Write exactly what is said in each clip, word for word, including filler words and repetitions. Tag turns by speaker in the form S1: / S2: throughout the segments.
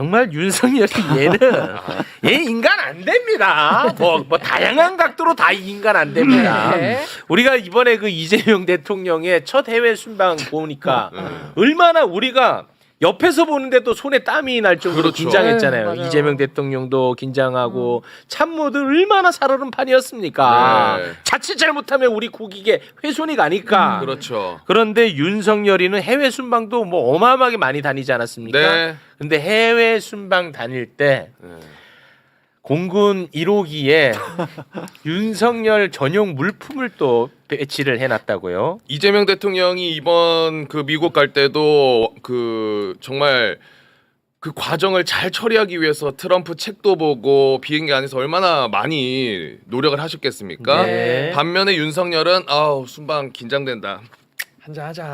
S1: 정말 윤석열이 얘는 얘 인간 안 됩니다. 뭐, 뭐 다양한 각도로 다 인간 안 됩니다.
S2: 네.
S1: 우리가 이번에 그 이재명 대통령의 첫 해외 순방 보니까 얼마나 우리가 옆에서 보는데도 손에 땀이 날 정도로
S3: 그렇죠.
S1: 긴장했잖아요.
S2: 네, 맞아요.
S1: 이재명 대통령도 긴장하고 참모들 얼마나 살얼음 판이었습니까.
S3: 네.
S1: 자칫 잘못하면 우리 국익에 훼손이 가니까.
S3: 그렇죠.
S1: 그런데 윤석열이는 해외 순방도 뭐 어마어마하게 많이 다니지 않았습니까?
S3: 네.
S1: 근데 해외 순방 다닐 때
S3: 네.
S1: 공군 일 호기에 윤석열 전용 물품을 또 배치를 해놨다고요.
S3: 이재명 대통령이 이번 그 미국 갈 때도 그 정말 그 과정을 잘 처리하기 위해서 트럼프 책도 보고 비행기 안에서 얼마나 많이 노력을 하셨겠습니까?
S1: 네.
S3: 반면에 윤석열은 아우 순방 긴장된다. 한잔 하자.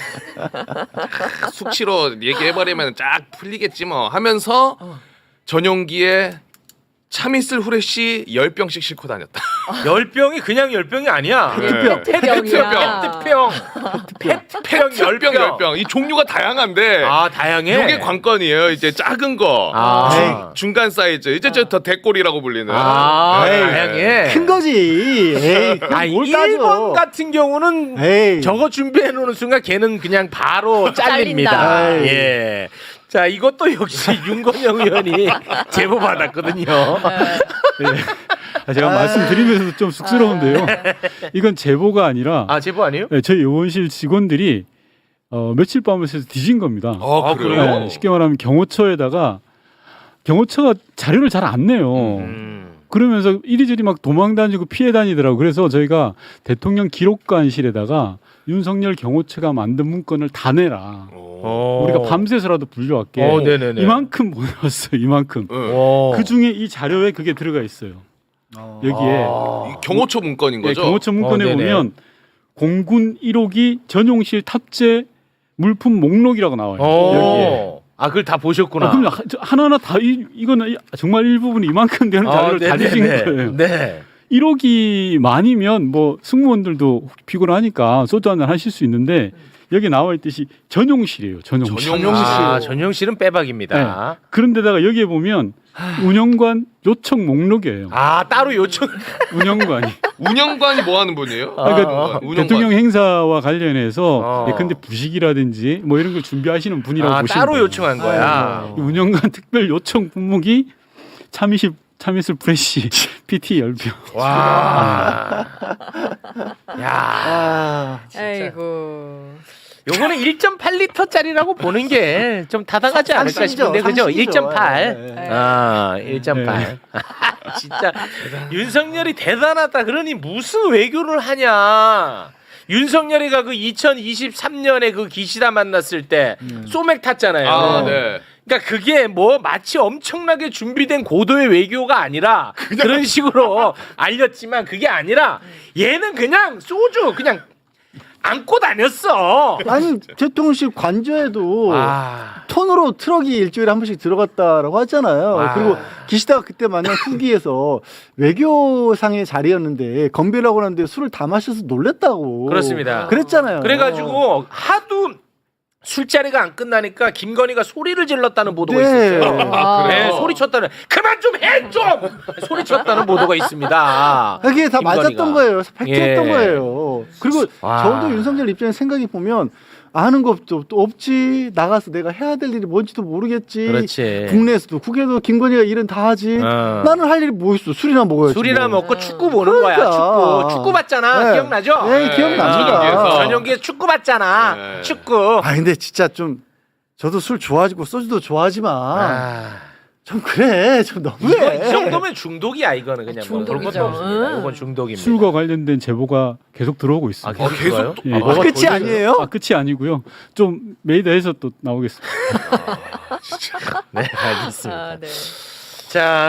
S3: 숙취로 얘기해버리면 쫙 풀리겠지 뭐 하면서 전용기에 참이슬 후레쉬 열 병씩 싣고 다녔다.
S1: 열 병이 그냥 열 병이 아니야.
S3: 네.
S2: 페트병이야.
S1: 페트병. 페트병 열
S3: 병,
S1: 병.
S3: 열 병. 이 종류가 다양한데
S1: 아 다양해.
S3: 이게 관건이에요. 이제 작은 거,
S1: 아.
S3: 중간 사이즈, 이제 저 더 대꼴이라고 불리는.
S1: 아
S3: 네.
S1: 다양해.
S4: 큰 거지. 에이,
S1: 아
S4: 뭘
S1: 일 번
S4: 따져.
S1: 같은 경우는
S4: 에이.
S1: 저거 준비해 놓는 순간 걔는 그냥 바로 잘립니다.
S4: 잘린다.
S1: 예. 자 이것도 역시 윤건영 의원이 제보 받았거든요.
S5: 아, 제가 말씀드리면서도 좀 쑥스러운데요. 이건 제보가 아니라
S1: 아 제보 아니에요?
S5: 네, 저희 의원실 직원들이 어, 며칠 밤을 새서 뒤진 겁니다.
S3: 아,
S1: 아,
S3: 그래요?
S5: 네, 쉽게 말하면 경호처에다가 경호처가 자료를 잘 안 내요.
S1: 음.
S5: 그러면서 이리저리 막 도망 다니고 피해 다니더라고. 그래서 저희가 대통령 기록관실에다가 윤석열 경호처가 만든 문건을 다 내라.
S1: 어.
S5: 우리가 밤새서라도 불려왔게.
S1: 어, 네네네.
S5: 이만큼 모였어요. 이만큼.
S3: 응.
S1: 어.
S5: 그 중에 이 자료에 그게 들어가 있어요. 여기에
S3: 이 경호처 문건인
S5: 네,
S3: 거죠?
S5: 경호처 문건에
S1: 어, 네네.
S5: 보면 공군 일 호기 전용실 탑재 물품 목록이라고 나와요. 여기에.
S1: 어. 아 그걸 다 보셨구나.
S5: 아, 그럼 하- 저 하나하나 다 이, 이거는 이- 정말 일부분이 이만큼 되는 자료를 다 주신 거예요.
S1: 네.
S5: 일 호기 만이면 뭐 승무원들도 피곤하니까 소주 한잔 하실 수 있는데 여기 나와 있듯이 전용실이에요. 전용실.
S3: 전용실.
S1: 아, 전용실은 빼박입니다.
S5: 그런데다가 여기에 보면 운영관 요청 목록이에요.
S1: 아 따로 요청.
S5: 운영관이.
S3: 운영관이 뭐 하는 분이에요?
S1: 아,
S5: 그러니까
S3: 운영관.
S5: 대통령 행사와 관련해서
S1: 어.
S5: 예컨대 부식이라든지 뭐 이런 걸 준비하시는 분이라고
S1: 아
S5: 보시면
S1: 따로
S5: 돼요.
S1: 요청한 거야.
S5: 이 운영관 특별 요청 품목이 참이슬 참이슬 프레시 피티 열 병.
S1: 와. 야.
S4: 아,
S2: 아이고.
S1: 요거는 일 점 팔 리터짜리라고 보는 게 좀 타당하지 않을까
S4: 상식이죠,
S1: 싶은데 그죠?
S4: 상식이죠.
S1: 일 점 팔.
S4: 네,
S2: 네.
S1: 아, 일 점 팔. 진짜 윤석열이 대단하다. 그러니 무슨 외교를 하냐? 윤석열이가 그 이천이십삼 년에 그 기시다 만났을 때 소맥 탔잖아요.
S3: 아, 네.
S1: 그러니까 그게 뭐 마치 엄청나게 준비된 고도의 외교가 아니라 그런 식으로 알렸지만 그게 아니라 얘는 그냥 소주 그냥 안고 다녔어.
S4: 아니 대통령실 관저에도
S1: 아.
S4: 톤으로 트럭이 일주일에 한 번씩 들어갔다라고 하잖아요.
S1: 와.
S4: 그리고 기시다가 그때 만난 후기에서 외교상의 자리였는데 건배라고 하는데 술을 다 마셔서 놀랬다고.
S1: 그렇습니다.
S4: 그랬잖아요.
S1: 그래가지고 하도 술자리가 안 끝나니까 김건희가 소리를 질렀다는 보도가
S4: 네.
S1: 있었어요.
S2: 아,
S1: 네,
S3: 그래요?
S1: 소리 쳤다는 그만 좀 해 좀 소리 쳤다는 보도가 있습니다.
S4: 그게 다
S1: 김건희가.
S4: 맞았던 거예요. 팩트였던
S1: 예.
S4: 거예요. 그리고
S1: 와.
S4: 저도 윤석열 입장에 생각해 보면 아는 것도 또 없지. 나가서 내가 해야 될 일이 뭔지도 모르겠지.
S1: 그렇지.
S4: 국내에서도 국외도 김건희가 일은 다 하지.
S1: 어.
S4: 나는 할 일이 뭐 있어? 술이나 먹어야지.
S1: 술이나
S4: 뭐.
S1: 먹고 축구 보는 거야.
S4: 그러니까.
S1: 축구 축구 봤잖아.
S4: 네.
S1: 기억나죠?
S4: 네, 기억납니다.
S3: 전용기에서.
S1: 전용기에 축구 봤잖아.
S3: 네.
S1: 축구.
S4: 아 근데 진짜 좀 저도 술 좋아하고 소주도 좋아하지만
S1: 아.
S4: 좀 그래 좀
S1: 이거
S4: 너무해.
S1: 이 정도면 중독이야 이거는 그냥 뭐 그런 것도
S2: 중독이죠.
S1: 없습니다.
S2: 응.
S1: 이건 중독입니다.
S5: 술과 관련된 제보가 계속 들어오고
S1: 아,
S5: 있습니다.
S1: 계속
S3: 계속
S1: 들어와요?
S5: 예.
S1: 아, 뭐가
S4: 끝이
S1: 더
S4: 아니에요?
S5: 아, 끝이 아니고요. 좀 메이더에서 또 나오겠습니다.
S1: 네, 알겠습니다.
S2: 아, 네.
S1: 자.